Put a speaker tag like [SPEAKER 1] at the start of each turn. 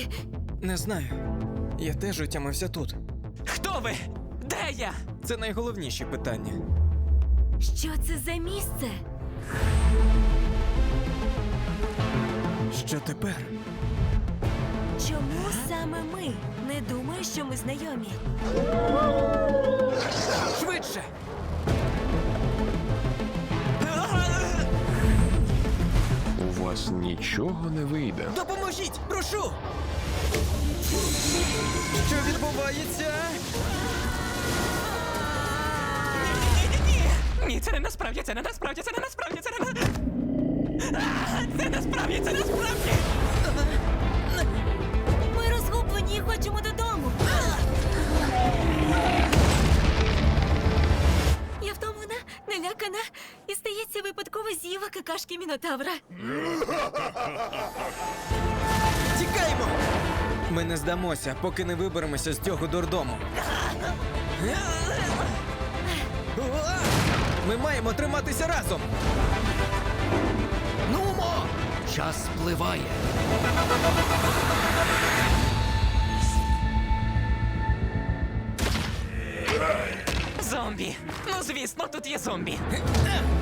[SPEAKER 1] ти?
[SPEAKER 2] Не знаю. Я теж утямився тут.
[SPEAKER 3] Хто ви? Де я?
[SPEAKER 2] Це найголовніші питання.
[SPEAKER 1] Що це за місце?
[SPEAKER 2] Що тепер?
[SPEAKER 1] Чому саме ми? Не думаю, що ми знайомі.
[SPEAKER 2] Швидше!
[SPEAKER 4] У вас нічого не вийде.
[SPEAKER 2] Допоможіть! Прошу! Що відбувається?
[SPEAKER 3] Ні, це не насправді, це не насправді, це не насправді, це не це насправді, це насправді!
[SPEAKER 1] Ми розгублені і хочемо додому. Я втомлена, налякана і, здається, випадково з'їла какашки мінотавра.
[SPEAKER 2] Тікаємо! Ми не здамося, поки не виберемося з цього дурдому. Ми маємо триматися разом!
[SPEAKER 5] Нумо! Час спливає.
[SPEAKER 3] Зомбі! Ну, звісно, тут є зомбі.